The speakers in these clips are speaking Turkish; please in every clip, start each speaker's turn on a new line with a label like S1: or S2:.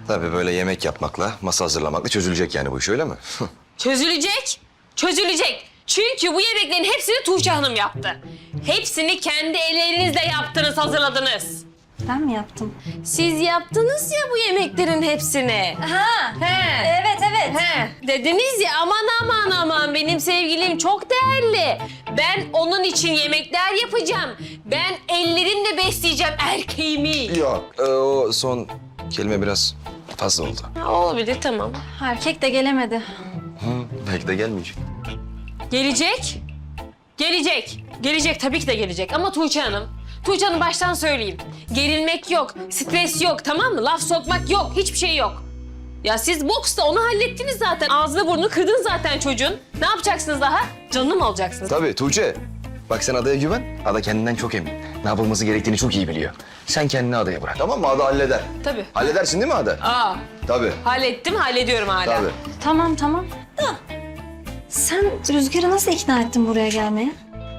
S1: Tabii böyle yemek yapmakla, masa hazırlamakla çözülecek yani bu iş, öyle mi?
S2: Çözülecek. Çözülecek. Çünkü bu yemeklerin hepsini Tuğçe Hanım yaptı. Hepsini kendi ellerinizle yaptınız, hazırladınız.
S3: Ben mi yaptım?
S2: Siz yaptınız ya bu yemeklerin hepsini.
S3: Ha,
S2: He.
S3: evet.
S2: He. Dediniz ya aman benim sevgilim çok değerli. Ben onun için yemekler yapacağım. Ben ellerimle besleyeceğim erkeğimi.
S1: Yok, o son kelime biraz fazla oldu.
S2: Ha, olabilir, tamam.
S3: Erkek de gelemedi.
S1: Belki de gelmeyecek.
S2: Gelecek. Gelecek. Gelecek, tabii ki de gelecek. Ama Tuğçe Hanım baştan söyleyeyim. Gerilmek yok, stres yok, tamam mı? Laf sokmak yok, hiçbir şey yok. Ya siz boksta onu hallettiniz zaten. Ağzını burnunu kırdın zaten çocuğun. Ne yapacaksınız daha? Canını mı alacaksınız?
S1: Tabii Tuğçe. Bak sen Ada'ya güven. Ada kendinden çok emin. Ne yapılması gerektiğini çok iyi biliyor. Sen kendini Ada'ya bırak. Tamam mı? Ada halleder.
S2: Tabii.
S1: Halledersin değil mi Ada?
S2: Aa,
S1: Tabii.
S2: hallettim, hallediyorum hala.
S1: Tabii.
S3: Tamam. Da sen Rüzgar'ı nasıl ikna ettin buraya gelmeye?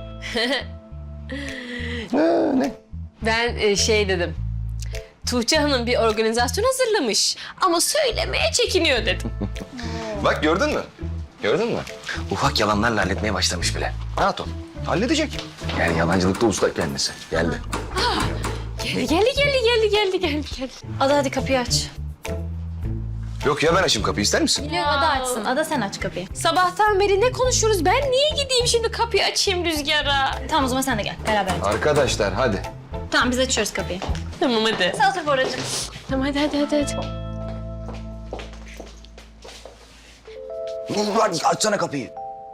S1: Ne?
S2: Ben şey dedim. Tuğçe Hanım bir organizasyon hazırlamış ama söylemeye çekiniyor dedim.
S1: Bak gördün mü? Gördün mü? Ufak yalanlarla halletmeye başlamış bile. Rahat ol. Halledecek. Yani yalancılıkta usta kendisi. Geldi.
S2: Geldi.
S3: Ada hadi kapıyı aç.
S1: Yok ya, ben açayım kapıyı, ister misin?
S3: Yok Ada açsın. Ada sen aç kapıyı.
S2: Sabahtan beri ne konuşuyoruz? Ben niye gideyim şimdi kapıyı açayım Rüzgar'a?
S3: Tamam o zaman sen de gel. Beraber aç.
S1: Arkadaşlar hadi.
S3: Tamam biz açıyoruz kapıyı.
S2: Tamam hadi.
S3: Sağ otur Boracığım.
S2: Tamam hadi.
S1: Hadi açsana kapıyı.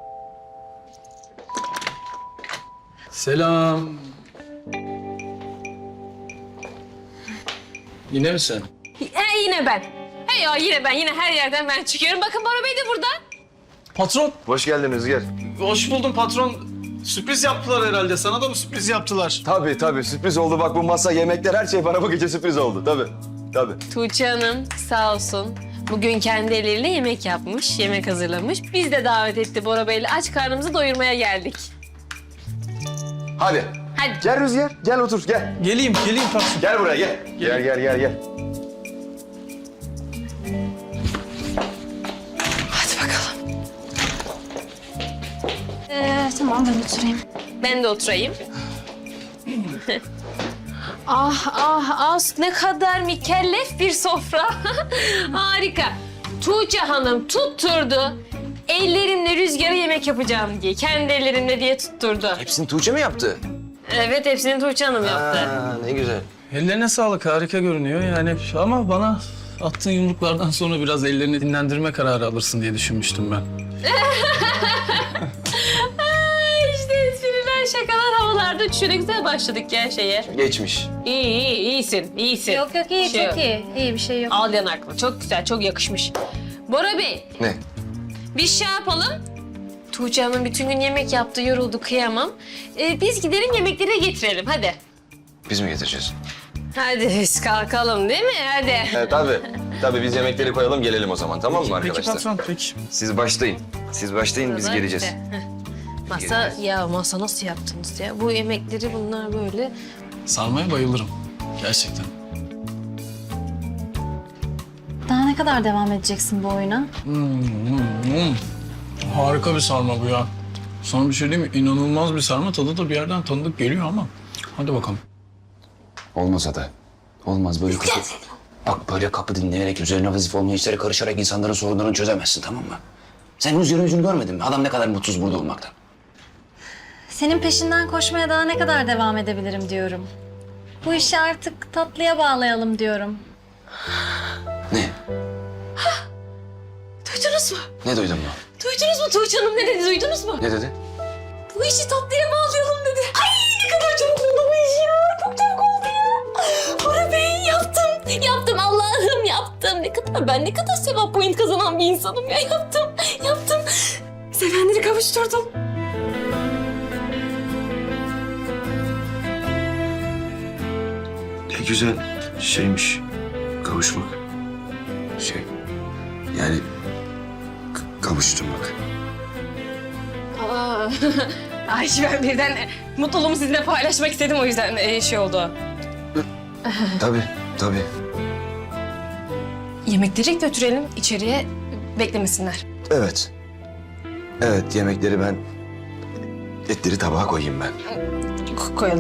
S4: Selam. Yine mi sen?
S2: Yine ben. Hey ya yine ben. Yine her yerden ben çıkıyorum. Bakın Bora Bey de burada.
S4: Patron.
S1: Hoş geldin Rüzgar.
S4: Hoş buldum patron. Sürpriz yaptılar herhalde. Sana da mı sürpriz yaptılar?
S1: Tabii sürpriz oldu. Bak bu masa, yemekler, her şey bana bu gece sürpriz oldu. Tabii.
S2: Tuğçe Hanım sağ olsun. Bugün kendi elleriyle yemek yapmış, yemek hazırlamış. Biz de davet etti Bora Bey'le. Aç karnımızı doyurmaya geldik.
S1: Hadi.
S2: Hadi.
S1: Gel Rüzgar, gel otur, gel.
S4: Geleyim patron.
S1: Gel buraya, gel. Gel.
S2: Hadi bakalım.
S3: Tamam ben oturayım.
S2: Ben de oturayım. ah, ne kadar mükellef bir sofra. Harika. Tuğçe Hanım tutturdu. Ellerimle Rüzgar'a yemek yapacağım diye. Kendi ellerimle diye tutturdu.
S1: Hepsini Tuğçe mi yaptı?
S2: Evet, hepsini Tuğçe Hanım yaptı.
S1: Ne güzel.
S4: Ellerine sağlık. Harika görünüyor yani. Ama bana attığın yumruklardan sonra biraz ellerini dinlendirme kararı alırsın diye düşünmüştüm ben.
S2: İşte espriler, şakalar havalarda uçuşuyor. Ne güzel başladık ya şeye.
S1: Geçmiş.
S2: İyisin.
S3: Yok iyi
S2: Şey
S3: çok iyi. İyi bir şey yok.
S2: Al yanaklı. Çok güzel, çok yakışmış. Bora Bey,
S1: Ne?
S2: biz şey yapalım. Tuğçe Hanım bütün gün yemek yaptı, yoruldu, kıyamam. Biz gidelim yemekleri getirelim, hadi.
S1: Biz mi getireceğiz?
S2: Hadi biz kalkalım değil mi? Hadi.
S1: Tabii biz yemekleri koyalım, gelelim o zaman, tamam mı
S4: Peki
S1: arkadaşlar?
S4: patron, peki.
S1: Siz başlayın, biz geleceğiz.
S2: Masa nasıl yaptınız ya? Bu yemekleri bunlar böyle.
S4: Sarmaya bayılırım. Gerçekten.
S3: Daha ne kadar devam edeceksin bu oyuna?
S4: Harika bir sarma bu ya. Sana bir şey diyeyim mi? İnanılmaz bir sarma. Tadı da bir yerden tanıdık geliyor ama. Hadi bakalım.
S5: Olmaz Ada. Olmaz böyle kapı. Bak böyle kapı dinleyerek, üzerine vazife olmayan işlere karışarak insanların sorunlarını çözemezsin, tamam mı? Sen Rüzgar'ın yüzünü görmedin mi? Adam ne kadar mutsuz burada olmaktan.
S3: Senin peşinden koşmaya daha ne kadar devam edebilirim diyorum. Bu işi artık tatlıya bağlayalım diyorum.
S5: Ne?
S2: Duydunuz mu?
S5: Ne duydun mu?
S2: Duydunuz mu Tuğçe Hanım ne dedi? Duydunuz mu?
S5: Ne dedi?
S2: Bu işi tatlıya bağlayalım dedi. Ay ne kadar çabuk oldu bu iş ya. Çok çabuk oldu ya. Bora Bey yaptım Allah'ım yaptım. Ben ne kadar sevap point kazanan bir insanım ya. Yaptım. Sevenleri kavuşturdum.
S1: Ne güzel şeymiş kavuşmak. Yani kavuşturmak.
S2: Ay ben birden mutluluğumu sizinle paylaşmak istedim o yüzden şey oldu.
S1: Tabii.
S2: Yemekleri götürelim içeriye, beklemesinler.
S1: Evet. Evet, yemekleri ben... Etleri tabağa koyayım ben.
S2: Koyalım.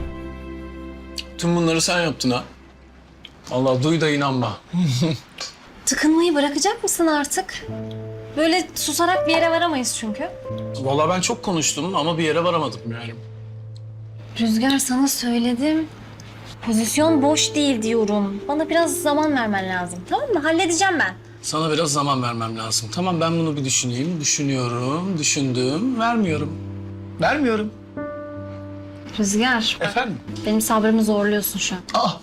S4: Tüm bunları sen yaptın ha. Allah duy da inanma.
S3: Tıkınmayı bırakacak mısın artık? Böyle susarak bir yere varamayız çünkü.
S4: Vallahi ben çok konuştum ama bir yere varamadım yani.
S3: Rüzgar, sana söyledim. Pozisyon boş değil diyorum. Bana biraz zaman vermen lazım. Tamam mı? Halledeceğim ben.
S4: Sana biraz zaman vermem lazım. Tamam, ben bunu bir düşüneyim. Düşünüyorum, düşündüm. Vermiyorum.
S3: Rüzgar,
S4: Efendim?
S3: benim sabrımı zorluyorsun şu an.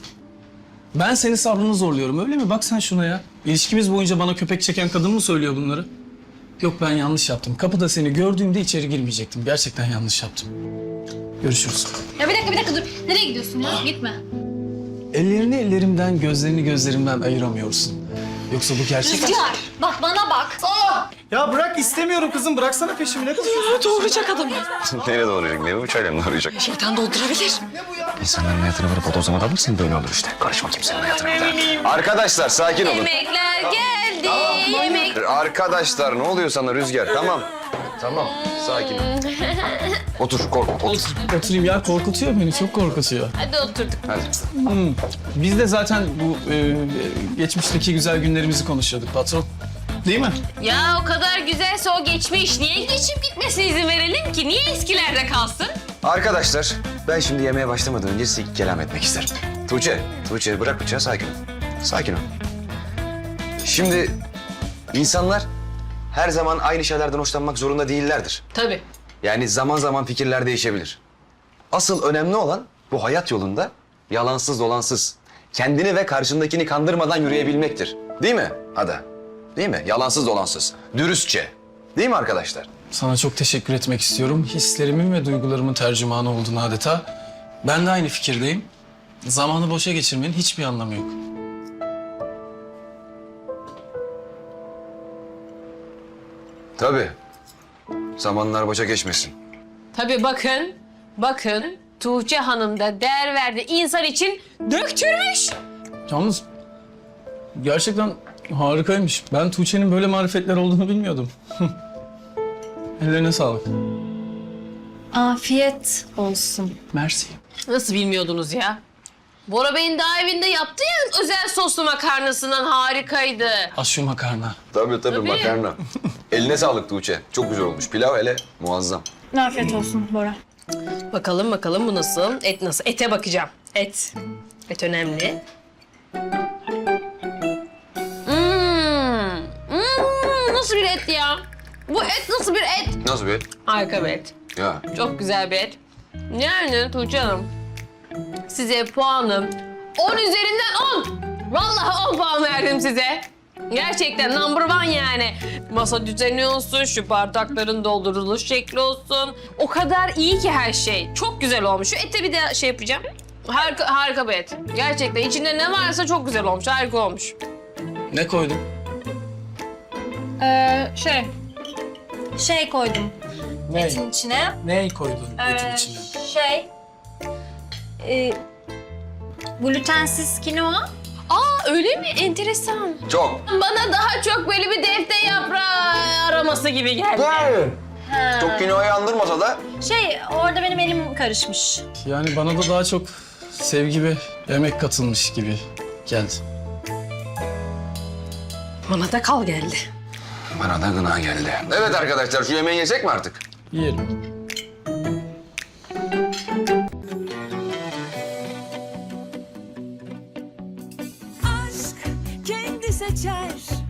S4: Ben senin sabrını zorluyorum, öyle mi? Bak sen şuna ya. İlişkimiz boyunca bana köpek çeken kadın mı söylüyor bunları? Yok, ben yanlış yaptım. Kapıda seni gördüğümde içeri girmeyecektim. Gerçekten yanlış yaptım. Görüşürüz.
S3: Ya bir dakika dur. Nereye gidiyorsun ya? Gitme.
S4: Ellerini ellerimden, gözlerini gözlerimden ayıramıyorsun. Yoksa bu gerçek...
S3: Rüzgar, bak bana bak.
S4: Ya bırak, istemiyorum kızım. Bıraksana peşimi. Ne kızıyorsun?
S2: Doğuracak adamı.
S1: Nereye doğrayacak? Ne bu çayla mı doğrayacak?
S2: Şeytan doldurabilir.
S1: İnsanların hayatını böyle bodozlama dalırsan böyle olur işte. Karışma kimsenin hayatına. Arkadaşlar sakin olun.
S2: Yemekler geldi. Yemek.
S1: Arkadaşlar ne oluyor sana Rüzgar? Tamam. Tamam. Sakin ol. Otur, otur.
S4: Oturayım ya. Korkutuyor beni. Çok korkutuyor.
S2: Hadi oturduk.
S1: Hadi.
S4: Biz de zaten bu geçmişteki güzel günlerimizi konuşuyorduk patron. Değil mi?
S2: Ya o kadar güzelse o geçmiş. Niye geçip gitmesine izin verelim ki? Niye eskilerde kalsın?
S1: Arkadaşlar ben şimdi yemeğe başlamadan önce size iki kelam etmek isterim. Tuğçe bırak bıçağı, sakin ol. Sakin ol. Şimdi insanlar her zaman aynı şeylerden hoşlanmak zorunda değillerdir.
S2: Tabii.
S1: Yani zaman zaman fikirler değişebilir. Asıl önemli olan bu hayat yolunda yalansız dolansız, kendini ve karşındakini kandırmadan yürüyebilmektir. Değil mi Ada? Değil mi? Yalansız dolansız, dürüstçe. Değil mi arkadaşlar?
S4: Sana çok teşekkür etmek istiyorum. Hislerimin ve duygularımın tercümanı oldun adeta. Ben de aynı fikirdeyim. Zamanı boşa geçirmenin hiçbir anlamı yok.
S1: Tabii. Zamanlar boşa geçmesin.
S2: Tabii bakın Tuğçe Hanım da değer verdi insan için döktürmüş.
S4: Yalnız gerçekten harikaymış. Ben Tuğçe'nin böyle marifetler olduğunu bilmiyordum. Ellerine sağlık.
S3: Afiyet olsun.
S4: Mersi.
S2: Nasıl bilmiyordunuz ya? Bora Bey'in daha evinde yaptı ya özel soslu makarnasından harikaydı.
S4: Az şu makarna.
S1: Tabii makarna. Eline sağlık Tuğçe. Çok güzel olmuş. Pilav hele muazzam.
S3: Afiyet olsun Bora.
S2: Bakalım bu nasıl? Et nasıl? Ete bakacağım. Et önemli. Nasıl bir et ya? Bu et nasıl bir et?
S1: Nasıl bir?
S2: Harika bir et.
S1: Ya.
S2: Çok güzel bir et. Yani Tuğçe Hanım, size puanım 10 üzerinden 10. Vallahi 10 puan verdim size. Gerçekten number one yani. Masa düzeni olsun, şu bardakların dolduruluş şekli olsun. O kadar iyi ki her şey. Çok güzel olmuş. Şu ete bir de şey yapacağım. Harika bir et. Gerçekten içinde ne varsa çok güzel olmuş. Harika olmuş.
S4: Ne koydun?
S3: Şey koydum
S4: Ne?
S3: etin içine.
S4: Ne koydun etin içine?
S3: Glutensiz kinoa.
S2: Aa öyle mi? Enteresan.
S1: Çok.
S2: Bana daha çok böyle bir defter yaprağı araması gibi geldi.
S1: Çok kinoayı andırmasa da
S3: Orada benim elim karışmış.
S4: Yani bana da daha çok sevgi ve emek katılmış gibi geldi.
S2: Bana da kal geldi.
S1: bana da gına geldi. Evet arkadaşlar şu yemeği yesek mi artık?
S4: Yiyelim.
S6: aşk kendi seçer